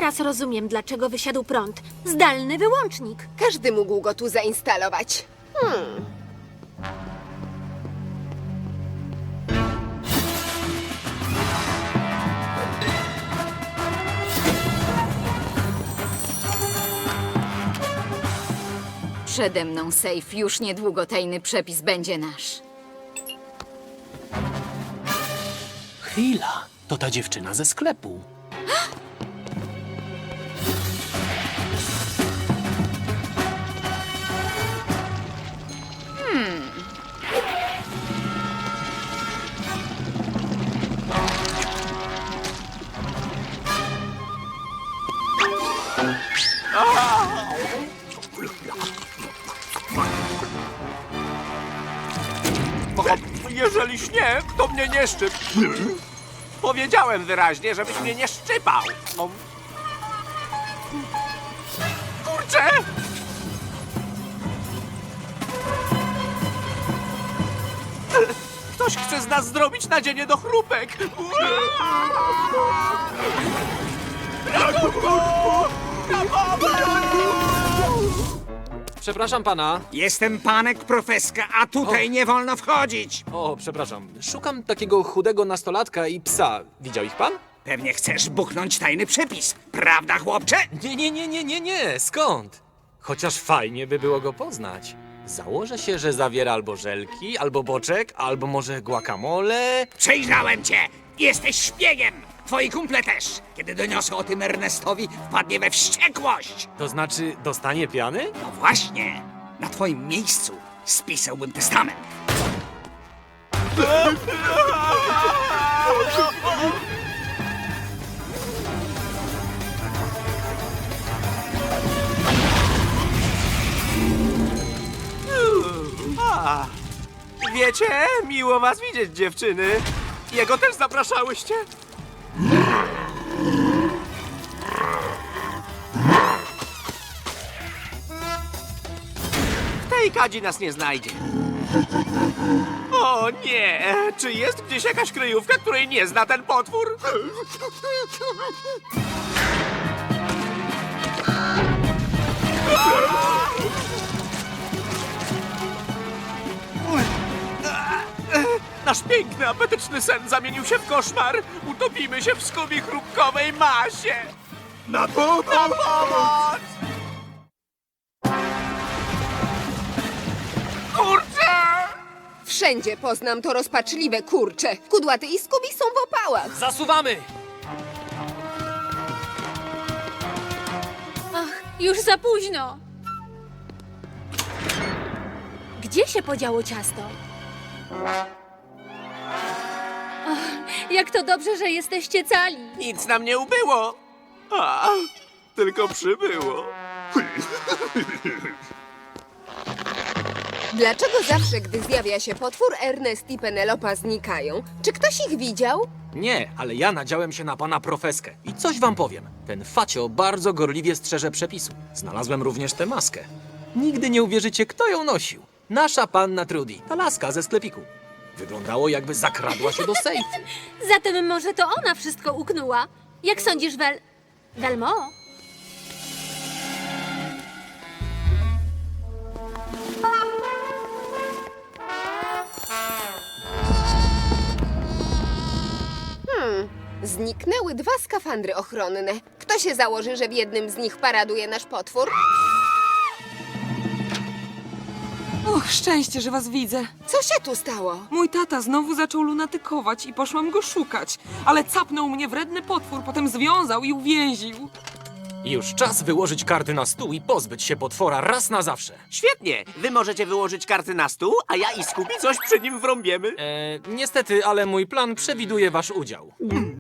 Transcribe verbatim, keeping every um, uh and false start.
Teraz rozumiem, dlaczego wysiadł prąd. Zdalny wyłącznik. Każdy mógł go tu zainstalować. Hmm. Przede mną safe, już niedługo tajny przepis będzie nasz. Chwila, to ta dziewczyna ze sklepu. O, jeżeli śnieg, to mnie nie szczyp. Powiedziałem wyraźnie, żebyś mnie nie szczypał. O. Kurczę! Ktoś chce z nas zrobić nadzienie do chrupek. Ratunku! Na pomoc! Przepraszam pana. Jestem panek profeska, a tutaj nie wolno wchodzić. O, przepraszam. Szukam takiego chudego nastolatka i psa. Widział ich pan? Pewnie chcesz buchnąć tajny przepis, prawda, chłopcze? Nie, nie, nie, nie, nie, nie. Skąd? Chociaż fajnie by było go poznać. Założę się, że zawiera albo żelki, albo boczek, albo może guacamole. Przejrzałem cię! Jesteś szpiegiem! Twoi kumple też! Kiedy doniosę o tym Ernestowi, wpadnie we wściekłość! To znaczy, dostanie piany? No właśnie! Na twoim miejscu spisałbym testament. A, wiecie, miło was widzieć, dziewczyny. Jego też zapraszałyście? W tej kadzi nas nie znajdzie. O nie! Czy jest gdzieś jakaś kryjówka, której nie zna ten potwór? Nasz piękny, apetyczny sen zamienił się w koszmar. Utopimy się w skubie chrupkowej masie. Na pomoc! Na pomoc! Kurczę! Wszędzie poznam to rozpaczliwe kurcze. Kudłaty i Skubi są w opałach. Zasuwamy! Ach, już za późno. Gdzie się podziało ciasto? Ach, jak to dobrze, że jesteście cali. Nic nam nie ubyło. A, tylko przybyło. Dlaczego zawsze, gdy zjawia się potwór, Ernest i Penelopa znikają? Czy ktoś ich widział? Nie, ale ja nadziałem się na pana profeskę. I coś wam powiem. Ten facio bardzo gorliwie strzeże przepisu. Znalazłem również tę maskę. Nigdy nie uwierzycie, kto ją nosił. Nasza panna Trudy, ta laska ze sklepiku. Wyglądało, jakby zakradła się do sejfu. Zatem może to ona wszystko uknęła. Jak sądzisz, Wel... Velmo? Zniknęły dwa skafandry ochronne. Kto się założy, że w jednym z nich paraduje nasz potwór? Och, szczęście, że was widzę. Co się tu stało? Mój tata znowu zaczął lunatykować i poszłam go szukać, ale capnął mnie wredny potwór, potem związał i uwięził. Już czas wyłożyć karty na stół i pozbyć się potwora raz na zawsze. Świetnie. Wy możecie wyłożyć karty na stół, a ja i Skubi coś przy nim wrąbiemy. E, niestety, ale mój plan przewiduje wasz udział.